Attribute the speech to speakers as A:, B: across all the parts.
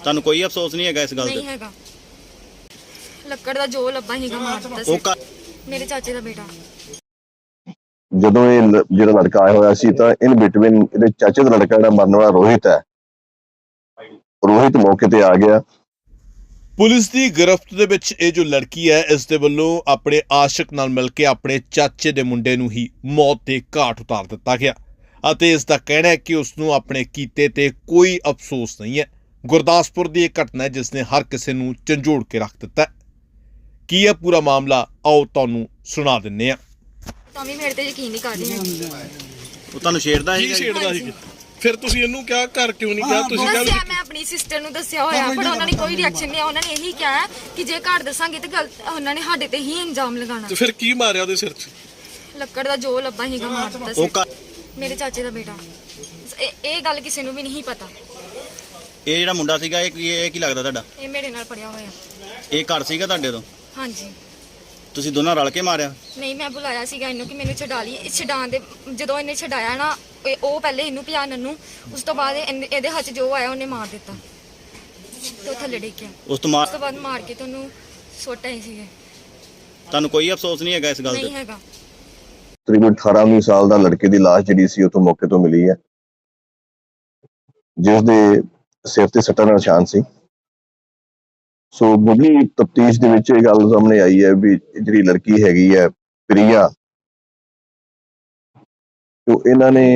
A: ਤੁਹਾਨੂੰ ਕੋਈ ਅਫਸੋਸ ਨਹੀਂ ਹੈਗਾ ਇਸ ਗੱਲ
B: ਨਹੀਂ
A: ਤੇ?
B: ਹੈਗਾ। ਲੱਕੜ ਦਾ ਜੋ ਲੱਭਾ ਹੀਗਾ ਮਾਰ ਦਿੱਤਾ ਸੀ। ਮੇਰੇ ਚਾਚੇ ਦਾ ਬੇਟਾ।
C: ਜਦੋਂ ਇਹ ਜਿਹੜਾ ਲੜਕਾ ਆਇਆ ਹੋਇਆ ਸੀ ਤਾਂ ਇਨ ਬਿਟਵੀਨ ਇਹਦੇ ਚਾਚੇ ਦਾ ਲੜਕਾ ਜਿਹੜਾ ਮਰਨ ਵਾਲਾ ਰੋਹਿਤ ਹੈ, ਰੋਹਿਤ ਮੌਕੇ ਤੇ ਆ ਗਿਆ।
D: ਪੁਲਿਸ ਦੀ ਗਿਰਫਤ ਦੇ ਵਿੱਚ ਇਹ ਜੋ ਲੜਕੀ ਹੈ, ਇਸ ਦੇ ਵੱਲੋਂ ਆਪਣੇ ਆਸ਼ਿਕ ਨਾਲ ਮਿਲ ਕੇ ਆਪਣੇ ਚਾਚੇ ਦੇ ਮੁੰਡੇ ਨੂੰ ਹੀ ਮੌਤ ਦੇ ਘਾਟ ਉਤਾਰ ਦਿੱਤਾ ਗਿਆ ਅਤੇ ਇਸ ਦਾ ਕਹਿਣਾ ਹੈ ਕਿ ਉਸ ਨੂੰ ਆਪਣੇ ਕੀਤੇ ਤੇ ਕੋਈ ਅਫਸੋਸ ਨਹੀਂ ਹੈ। ਗੁਰਦਾਸਪੁਰ ਦੀ ਇਹ ਘਟਨਾ ਹੈ ਜਿਸ ਨੇ ਹਰ ਕਿਸੇ ਨੂੰ ਝੰਜੋੜ ਕੇ ਰੱਖ ਦਿੱਤਾ। ਕੀ ਹੈ ਪੂਰਾ ਮਾਮਲਾ, ਆਓ ਤੁਹਾਨੂੰ ਸੁਣਾ ਦਿੰਨੇ ਆ।
B: ਤਾਂ ਵੀ ਮੇਰੇ ਤੇ ਯਕੀਨ ਨਹੀਂ ਕਰ ਰਹੀ।
A: ਉਹ ਤੁਹਾਨੂੰ ਛੇੜਦਾ
E: ਕੀ
A: ਸੀ?
E: ਛੇੜਦਾ ਸੀ? ਫਿਰ ਤੁਸੀਂ ਇਹਨੂੰ ਕਿਹਾ ਘਰ ਕਿਉਂ ਨਹੀਂ ਗਿਆ? ਤੁਸੀਂ
B: ਦੱਸਿਆ, ਮੈਂ ਆਪਣੀ ਸਿਸਟਰ ਨੂੰ ਦੱਸਿਆ ਹੋਇਆ, ਪਰ ਉਹਨਾਂ ਨੇ ਕੋਈ ਰਿਐਕਸ਼ਨ ਨਹੀਂ। ਉਹਨਾਂ ਨੇ ਇਹੀ ਕਿਹਾ ਕਿ ਜੇ ਘਰ ਦੱਸਾਂਗੇ ਤੇ ਗਲਤ ਉਹਨਾਂ ਨੇ ਸਾਡੇ ਤੇ ਹੀ ਇਲਜ਼ਾਮ ਲਗਾਉਣਾ।
E: ਤੇ ਫਿਰ ਕੀ ਮਾਰਿਆ ਉਹਦੇ ਸਿਰ 'ਚ?
B: ਲੱਕੜ ਦਾ ਜੋ ਲੱਭਾ ਹੀਗਾ ਮਾਰ ਦਿੱਤਾ ਸੀ। ਮੇਰੇ ਚਾਚੇ ਦਾ ਬੇਟਾ। ਇਹ ਗੱਲ ਕਿਸੇ ਨੂੰ ਵੀ ਨਹੀਂ ਪਤਾ।
A: ਇਹ ਜਿਹੜਾ ਮੁੰਡਾ ਸੀਗਾ ਇਹ ਕੀ ਲੱਗਦਾ ਤੁਹਾਡਾ?
B: ਇਹ ਮੇਰੇ ਨਾਲ ਪੜਿਆ ਹੋਇਆ।
A: ਇਹ ਘਰ ਸੀਗਾ ਤੁਹਾਡੇ ਤੋਂ?
B: ਹਾਂਜੀ।
A: ਤੁਸੀਂ ਦੋਨਾਂ ਰਲ ਕੇ ਮਾਰਿਆ?
B: ਨਹੀਂ, ਮੈਂ ਬੁਲਾਇਆ ਸੀਗਾ ਇਹਨੂੰ ਕਿ ਮੈਨੂੰ ਛਡਾ ਲਈ। ਛਡਾਉਣ ਦੇ ਜਦੋਂ ਇਹਨੇ ਛਡਾਇਆ ਨਾ, ਉਹ ਪਹਿਲੇ ਇਹਨੂੰ ਪਿਆਨਨ ਨੂੰ, ਉਸ ਤੋਂ ਬਾਅਦ ਇਹਦੇ ਹੱਥ ਜੋ ਆਇਆ ਉਹਨੇ ਮਾਰ ਦਿੱਤਾ ਤੇ ਉਹ ਥੱਲੇ ਡਿੱਗ ਗਿਆ।
A: ਉਸ ਤੋਂ
B: ਬਾਅਦ ਮਾਰ ਕੇ ਤੁਹਾਨੂੰ ਸੁੱਟ ਆਏ ਸੀਗੇ।
A: ਤੁਹਾਨੂੰ ਕੋਈ ਅਫਸੋਸ ਨਹੀਂ ਹੈਗਾ ਇਸ ਗੱਲ
B: ਨਹੀਂ
A: ਤੇ?
B: ਹੈਗਾ।
C: ਤਕਰੀਬਨ 18-19 ਸਾਲ ਦਾ ਲੜਕੇ ਦੀ ਲਾਸ਼ ਜਿਹੜੀ ਸੀ ਉੱਥੋਂ ਮੌਕੇ ਤੋਂ ਮਿਲੀ ਹੈ, ਜਿਸ ਦੇ ਸਿਰ ਤੇ ਸੱਟਾਂ ਦਾ ਨਿਸ਼ਾਨ ਸੀ। ਸੋ ਮੁੱਢਲੀ ਤਫਤੀਸ਼ ਦੇ ਵਿੱਚ ਇਹ ਗੱਲ ਸਾਹਮਣੇ ਆਈ ਹੈ ਵੀ ਜਿਹੜੀ ਲੜਕੀ ਹੈਗੀ ਹੈ ਪ੍ਰਿਆ, ਤੋਂ ਇਹਨਾਂ ਨੇ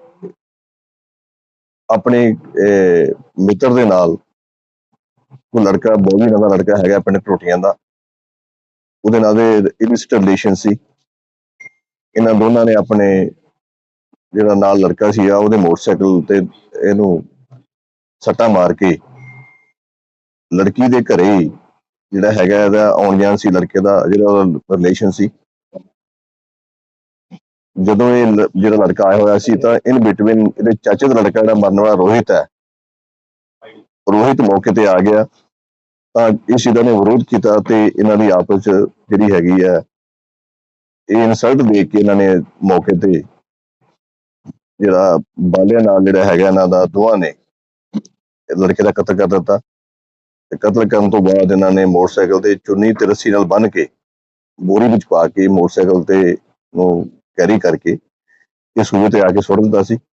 C: ਆਪਣੇ ਮਿੱਤਰ ਦੇ ਨਾਲ, ਉਹ ਲੜਕਾ ਬੋਲੀ ਨਾਂ ਦਾ ਲੜਕਾ ਹੈਗਾ ਪਿੰਡ ਟੋਟੀਆਂ ਦਾ, ਉਹਦੇ ਨਾਲ ਦੇ ਇਲਿਸਿਟ ਰਿਲੇਸ਼ਨ ਸੀ। ਇਹਨਾਂ ਦੋਨਾਂ ਨੇ ਆਪਣੇ ਜਿਹੜਾ ਨਾਲ ਲੜਕਾ ਸੀਗਾ ਉਹਦੇ ਮੋਟਰਸਾਈਕਲ ਤੇ ਇਹਨੂੰ ਸੱਟਾਂ ਮਾਰ ਕੇ ਲੜਕੀ ਦੇ ਘਰੇ ਹੀ ਜਿਹੜਾ ਹੈਗਾ ਇਹਦਾ ਆਉਣ ਜਾਣ ਸੀ, ਲੜਕੇ ਦਾ ਜਿਹੜਾ ਰਿਲੇਸ਼ਨ ਸੀ। ਜਦੋਂ ਇਹ ਜਿਹੜਾ ਲੜਕਾ ਆਇਆ ਹੋਇਆ ਸੀ ਤਾਂ ਇਨ ਬਿਟਵੀਨ ਇਹਦੇ ਚਾਚੇ ਦਾ ਲੜਕਾ ਜਿਹੜਾ ਮਰਨ ਵਾਲਾ ਰੋਹਿਤ ਹੈ, ਰੋਹਿਤ ਮੌਕੇ ਤੇ ਆ ਗਿਆ ਤਾਂ ਇਸ ਚੀਜ਼ ਨੇ ਵਿਰੋਧ ਕੀਤਾ ਤੇ ਇਹਨਾਂ ਦੀ ਆਪਸ ਚ ਜਿਹੜੀ ਹੈਗੀ ਹੈ ਇਹ ਇਨਸਲਟ ਦੇਖ ਕੇ ਇਹਨਾਂ ਨੇ ਮੌਕੇ ਤੇ ਜਿਹੜਾ ਬਾਲਿਆਂ ਨਾਲ ਜਿਹੜਾ ਹੈਗਾ ਇਹਨਾਂ ਦਾ ਦੋਵਾਂ ਨੇ ਲੜਕੇ ਦਾ ਕਤਲ ਕਰ ਦਿੱਤਾ। ਤੇ ਕਤਲ ਕਰਨ ਤੋਂ ਬਾਅਦ ਇਹਨਾਂ ਨੇ ਮੋਟਰਸਾਈਕਲ ਤੇ ਚੁੰਨੀ ਤੇ ਰੱਸੀ ਨਾਲ ਬੰਨ੍ਹ ਕੇ ਬੋਰੀ ਵਿੱਚ ਪਾ ਕੇ ਮੋਟਰਸਾਈਕਲ ਤੇ ਨੂੰ ਕੈਰੀ ਕਰਕੇ ਇਹ ਸੂਏ ਤੇ ਆ ਕੇ ਸੁੱਟ ਦਿੱਤਾ ਸੀ।